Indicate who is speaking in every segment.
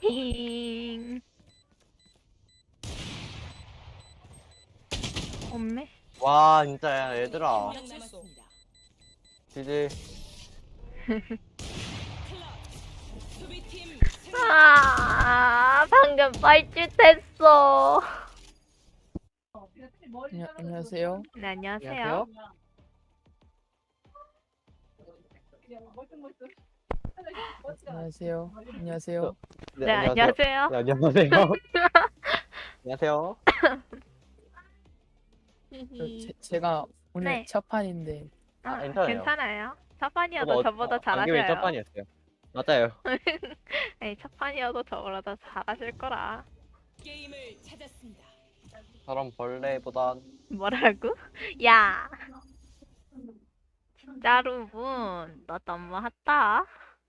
Speaker 1: 힝. 없네.
Speaker 2: 와 진짜 얘들아 지지.
Speaker 1: 방금 뻘짓했어.
Speaker 3: 안녕하세요.
Speaker 1: 네, 안녕하세요.
Speaker 2: 안녕하세요.
Speaker 3: 안녕하세요. 안녕하세요.
Speaker 1: 네, 안녕하세요.
Speaker 2: 네, 안녕하세요. 안녕하세요.
Speaker 3: 제가 오늘
Speaker 1: 네.
Speaker 3: 첫 판인데
Speaker 2: 괜찮아요.
Speaker 1: 괜찮아요. 첫 판이어도 저보다
Speaker 2: 안경이 첫
Speaker 1: 잘하셔요.
Speaker 2: 판이었어요. 맞아요.
Speaker 1: 네, 첫 판이어도 저보다 잘하실 거라.
Speaker 4: 게임을 찾았습니다.
Speaker 2: 저런 벌레보단
Speaker 1: 뭐라고? 야, 진짜로 너 너무했다.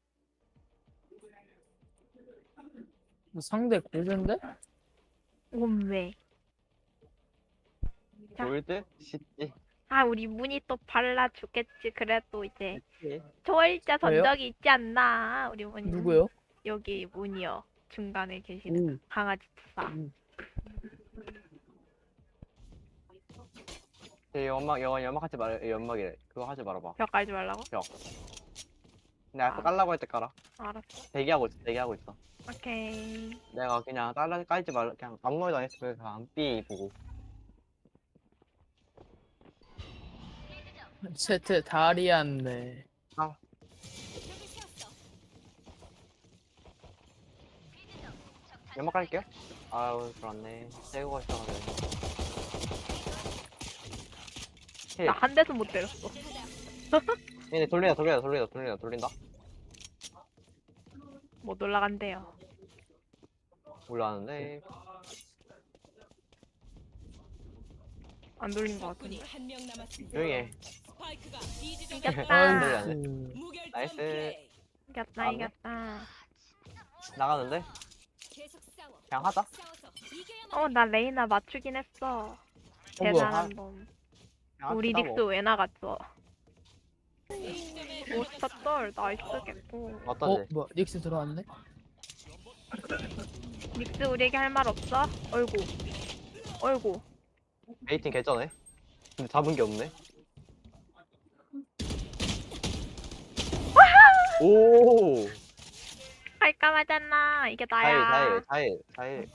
Speaker 3: 상대 골든데?
Speaker 1: 왜? 자.
Speaker 2: 골드 시지.
Speaker 1: 우리 문이 또 발라주겠지. 그래도 이제
Speaker 2: 그치.
Speaker 1: 초월자
Speaker 3: 왜요?
Speaker 1: 전적이 있지 않나? 우리 문이.
Speaker 3: 누구요?
Speaker 1: 여기 문이요. 중간에 계시는 강아지 투사.
Speaker 2: 연막 하지 말. 연막이래. 그거 하지 말아봐.
Speaker 1: 벽 깔지 말라고?
Speaker 2: 내가 아까 깔라고 할 때 깔아.
Speaker 1: 알았어.
Speaker 2: 대기하고 있어.
Speaker 1: 오케이.
Speaker 2: 내가 그냥 깔지 말. 그냥 아무 말도 안 했으면 그냥 삐 보고.
Speaker 3: 세트 다리안네.
Speaker 2: 연막 깔게요. 아유 그렇네. 새우가 있어가지고.
Speaker 1: 나 한 대도 못 때렸어.
Speaker 2: 얘네 돌린다.
Speaker 1: 못 올라간대요.
Speaker 2: 올라왔는데.
Speaker 1: 안 돌린 것 같은데.
Speaker 4: 한명 남았습니다.
Speaker 2: 조용히 해.
Speaker 4: 스파이크가 B 지점에
Speaker 1: 이겼다.
Speaker 2: 돌려야
Speaker 4: 무결점
Speaker 2: 나이스.
Speaker 4: 플레이.
Speaker 1: 이겼다. 이겼다.
Speaker 2: 나가는데?
Speaker 4: 계속 싸워.
Speaker 2: 그냥 하자.
Speaker 4: 싸워서 이겨야만
Speaker 1: 나 레이나 맞추긴 했어.
Speaker 3: 뭐야?
Speaker 1: 대단한 놈.
Speaker 2: 그냥
Speaker 1: 우리
Speaker 2: 합시다,
Speaker 1: 닉스
Speaker 2: 뭐.
Speaker 1: 왜 나갔어?
Speaker 4: A점에
Speaker 1: 오스타떨 나이스겠고.
Speaker 2: 어떤데?
Speaker 3: 뭐야? 닉스 들어왔네?
Speaker 1: 닉스 우리에게 할 말 없어? 어이구.
Speaker 2: A팀 개쩌네. 근데 잡은 게 없네. 오!
Speaker 1: 할까 말잖아. 이게 나야.
Speaker 2: 4일.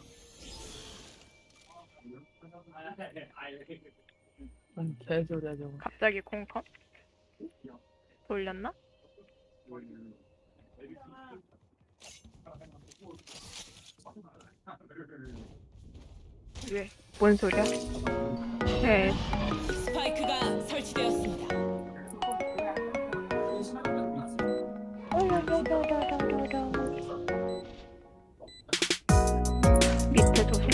Speaker 3: 개소리야 저거.
Speaker 1: 갑자기 콩컴? 돌렸나? 왜? 뭔 소리야? 네.
Speaker 4: 스파이크가 설치되었습니다.
Speaker 1: 밑에 조심.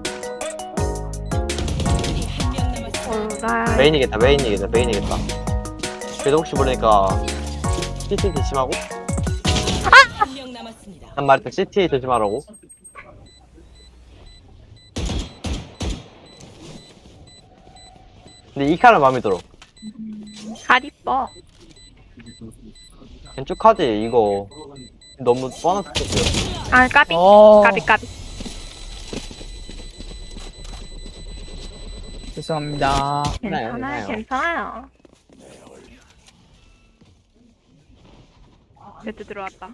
Speaker 4: 적군이 한명 남았습니다.
Speaker 1: 나
Speaker 2: 메인이겠다. 그래도 혹시 모르니까 CT 조심하고.
Speaker 4: 한명 남았습니다.
Speaker 2: 난 말했다. CT 조심하라고. 근데 이 칼은 마음에 들어.
Speaker 1: 잘 이뻐.
Speaker 2: 겐쭉하지 이거. 너무 뻔한 스포츠야.
Speaker 1: 까비.
Speaker 3: 어.
Speaker 1: 까비.
Speaker 3: 죄송합니다.
Speaker 1: 괜찮아요. 제트 들어왔다.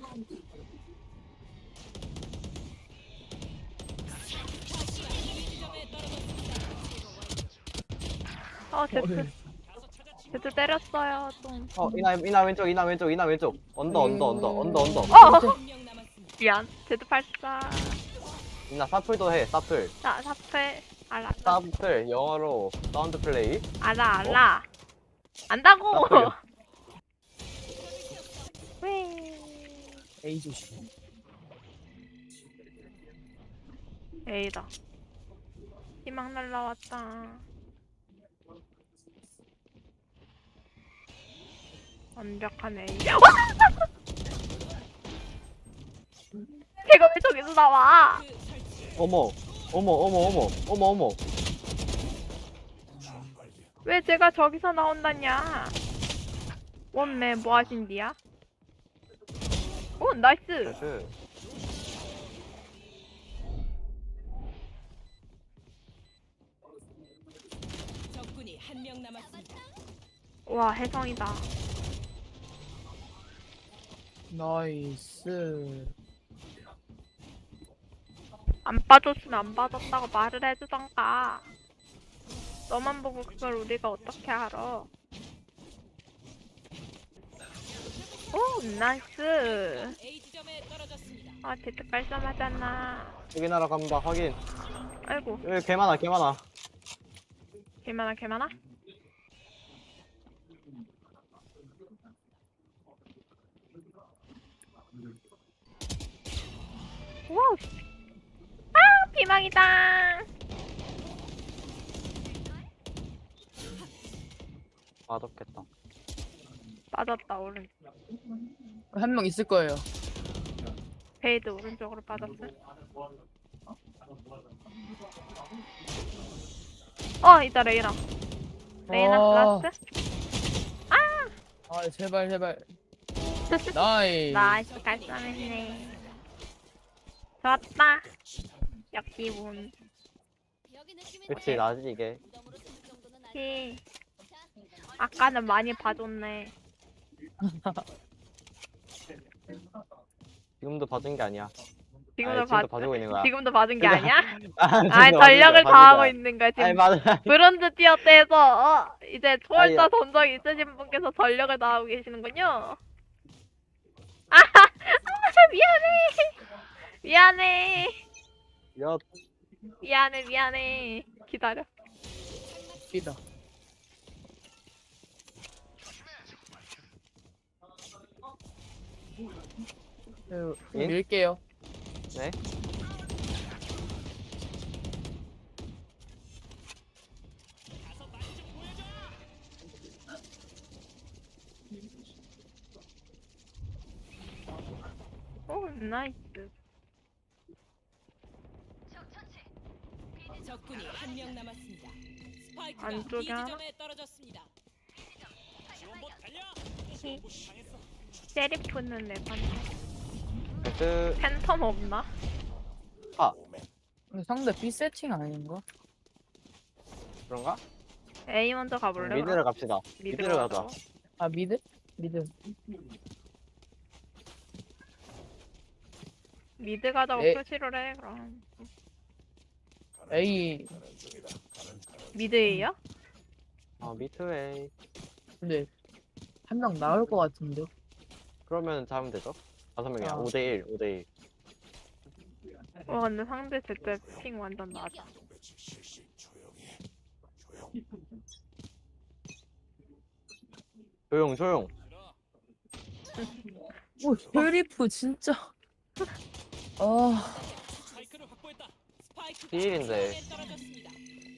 Speaker 1: 제트 때렸어요, 좀.
Speaker 2: 이나 왼쪽. 언더.
Speaker 4: 한명 남았습니다.
Speaker 1: 미안. 제트 발사.
Speaker 2: 이나 사플도 해. 사플.
Speaker 1: 사페. 알아.
Speaker 2: 사플 영어로 사운드 플레이.
Speaker 1: 알아. 안다고!
Speaker 2: 사플이요.
Speaker 1: 왜?
Speaker 3: A 조심.
Speaker 1: A다. 희망 날라왔다. 완벽한 A. 걔가 왜 저기서 나와?
Speaker 4: 그 설치.
Speaker 2: 어머.
Speaker 1: 왜 제가 저기서 나온다냐? 원매 뭐 하신디야? 오, 나이스.
Speaker 2: 나이스.
Speaker 4: 남았습니다.
Speaker 1: 와 혜성이다.
Speaker 3: 나이스.
Speaker 1: 안 빠졌으면 안 빠졌다고 말을 해주던가. 너만 보고 그걸 우리가 어떻게 알아? 오 나이스.
Speaker 4: A 지점에 떨어졌습니다.
Speaker 1: 아 대트 깔끔하잖아.
Speaker 2: 여기 나라 갑니다. 확인.
Speaker 1: 아이고
Speaker 2: 여기 개 많아, 개 많아.
Speaker 1: 개많아 개많아. 와우. 아 비망이다.
Speaker 2: 맛없겠다.
Speaker 1: 빠졌다 오른.
Speaker 3: 한 명 있을 거예요.
Speaker 1: 베이드 오른쪽으로 빠졌어. 이따 레이나. 레이나 라스트.
Speaker 3: 아 제발 제발. 나이스.
Speaker 1: 나이스 깔쌈했네. 좋았다. 역기분.
Speaker 2: 그치, 나지, 이게.
Speaker 1: 히. 아까는 많이 봐줬네.
Speaker 2: 지금도 봐준 게 아니야.
Speaker 1: 지금도
Speaker 2: 아니, 지금도 봐주고 있는 거야.
Speaker 1: 지금도 봐준 게 아니야?
Speaker 2: 아,
Speaker 1: 아
Speaker 2: 지금도
Speaker 1: 전력을
Speaker 2: 봐준 거야,
Speaker 1: 다하고
Speaker 2: 봐준
Speaker 1: 있는 거야
Speaker 2: 거야. 아니,
Speaker 1: 지금.
Speaker 2: 맞아.
Speaker 1: 브론즈 티어 때에서 이제 초월자
Speaker 2: 아니,
Speaker 1: 전적 있으신 분께서 전력을 다하고 계시는군요. 아 미안해. 미안해.
Speaker 2: 야,
Speaker 1: 미안해. 기다려.
Speaker 3: 이다.
Speaker 2: 예?
Speaker 3: 밀게요.
Speaker 2: 네?
Speaker 1: 오 나이스.
Speaker 4: 적군이 한 명 남았습니다. 스파이크가 B
Speaker 1: 안쪽에 하나?
Speaker 4: 지점에 떨어졌습니다.
Speaker 1: 세리프는 내 반.
Speaker 2: 그,
Speaker 1: 팬텀 없나?
Speaker 3: 근데 상대 B 세팅 아닌가?
Speaker 2: 그런가?
Speaker 1: A 먼저 가볼래?
Speaker 2: 미드를 갑시다. 미드를 가자.
Speaker 1: 가자고?
Speaker 3: 아 미드? 미드.
Speaker 1: 미드 가자고
Speaker 3: 에.
Speaker 1: 표시를 해 그럼.
Speaker 3: A.
Speaker 1: 미드 A야?
Speaker 2: 미드웨이.
Speaker 3: 근데 한 명 나올 것 같은데.
Speaker 2: 그러면 잡으면 되죠? 5명이야.
Speaker 3: 아.
Speaker 2: 5대1, 5대1.
Speaker 1: 와 근데 상대 제때 핑 완전 낮아.
Speaker 2: 조용.
Speaker 3: 오 쉐리프 진짜. 아
Speaker 4: 스파이크를 확보했다. 스파이크가
Speaker 2: 비일인데.
Speaker 4: 지점에 떨어졌습니다.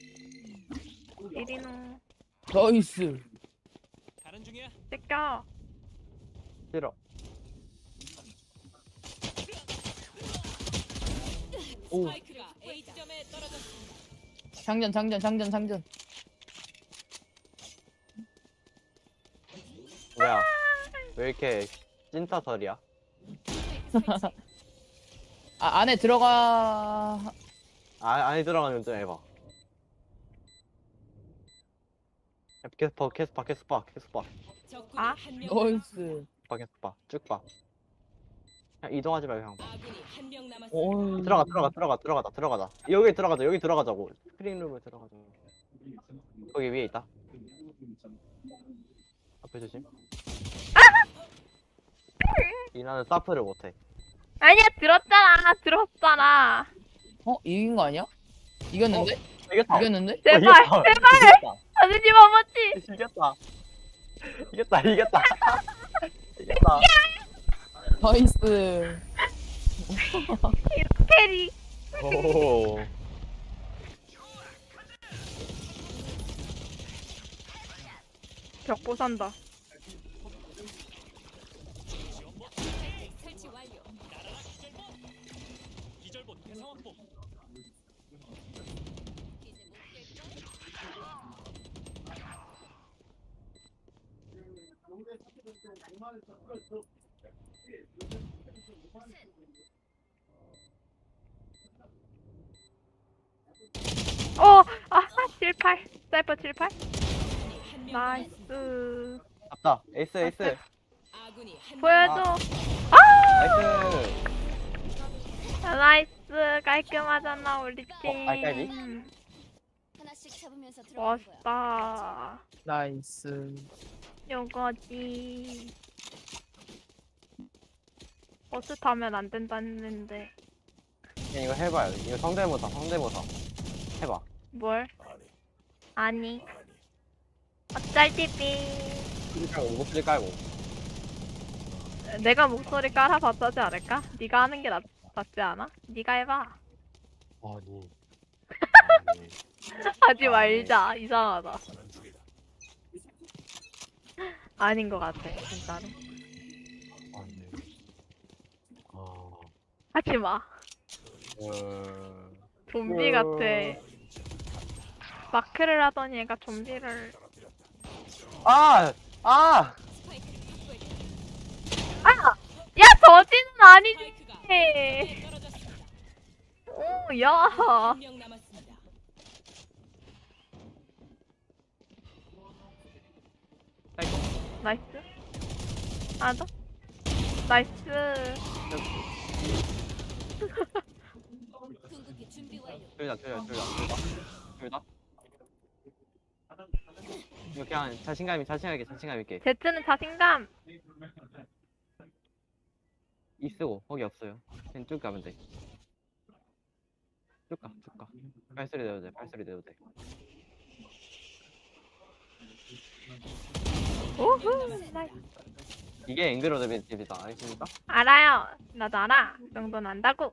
Speaker 1: 이리노
Speaker 3: 나이스.
Speaker 4: 가는 중이야.
Speaker 1: 뺏겨.
Speaker 2: 싫어.
Speaker 3: 오
Speaker 4: 스파이크가 A 지점에 떨어졌습니다.
Speaker 3: 장전.
Speaker 2: 뭐야? 왜 이렇게 찐타설이야?
Speaker 3: 아 안에 들어가.
Speaker 2: 안에 들어가면 좀 해봐. 캐스파.
Speaker 4: 적군이
Speaker 1: 아?
Speaker 4: 한 명
Speaker 3: 나이스.
Speaker 2: 캐스파. 쭉 봐. 그냥 이동하지 말고 그냥.
Speaker 4: 아군이 한 명 남았습니다.
Speaker 3: 오
Speaker 2: 들어가자. 여기 들어가자고. 스크린룸에 들어가자. 거기 위에 있다. 앞에 조심. 이나는 사프를 못해.
Speaker 1: 아니야 들었잖아.
Speaker 3: 이긴 거 아니야? 이겼는데?
Speaker 2: 이겼다.
Speaker 3: 이겼는데?
Speaker 1: 제발
Speaker 2: 이겼다.
Speaker 1: 아저씨 머머지.
Speaker 2: 이겼다.
Speaker 3: 나이스.
Speaker 1: 캐리.
Speaker 2: 오.
Speaker 1: 벽보 산다.
Speaker 4: 설치 완료. 기절봇 대상 확보.
Speaker 1: 아 78. 사이퍼 78.
Speaker 4: 한명 남았습니다.
Speaker 1: 나이스.
Speaker 2: 잡다. 에이스 에이스.
Speaker 4: 아군이 한 명
Speaker 1: 보여줘.
Speaker 2: 나이스.
Speaker 1: 나이스. 깔끔하잖아 우리 팀.
Speaker 2: 알까기?
Speaker 5: 하나씩 잡으면서 들어가는 거야.
Speaker 1: 멋있다.
Speaker 3: 나이스.
Speaker 1: 요거지. 버스 타면 안 된다는데.
Speaker 2: 그냥 이거 해봐요. 이거 성대모사 성대모사. 해봐.
Speaker 1: 뭘? 아니. 어쩔 TV.
Speaker 2: 소리 깔고 목소리 깔고.
Speaker 1: 내가 목소리 깔아봤자 하지 않을까? 네가 하는 게 낫지 않아? 네가 해봐.
Speaker 2: 아니.
Speaker 1: 하지 말자. 이상하다. 아닌 것 같아, 진짜로.
Speaker 2: 아니.
Speaker 1: 하지 마. 좀비 같아. 마크를 하더니 얘가 좀비를.
Speaker 2: 아! 아!
Speaker 4: 스파이크를 확보해.
Speaker 1: 야, 저지는 아니지.
Speaker 4: 스파이크가 A지점에 떨어졌습니다.
Speaker 1: 오, 야.
Speaker 4: 한명 남았습니다.
Speaker 1: 나이스. 하나 더. 나이스.
Speaker 5: 궁극기 준비 완료.
Speaker 2: 둘 다. 이거 그냥 자신감 있게.
Speaker 1: 제트는 자신감.
Speaker 2: 이 쓰고 거기 없어요. 그냥 쭉 가면 돼. 쭉 가. 발소리 내도 돼.
Speaker 1: 오후. 나이스.
Speaker 2: 이게 앵그로드 벤집이다. 알겠습니까?
Speaker 1: 알아요. 나도 알아. 그 정도는 안다고.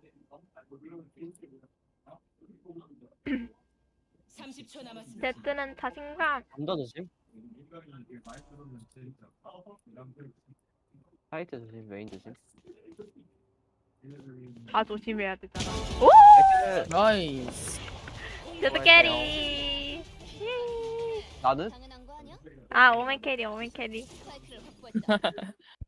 Speaker 4: 30초 남았습니다.
Speaker 1: 제트는 자신감.
Speaker 2: 남자 조심. 사이트 조심. 메인 조심.
Speaker 1: 다 조심해야 되잖아.
Speaker 2: 나이스.
Speaker 3: 나이스.
Speaker 1: 제트 캐리.
Speaker 2: 나는?
Speaker 5: 당연한 거 아니야?
Speaker 1: 아, 오멘 캐리.
Speaker 5: 스파이크를 확보했다.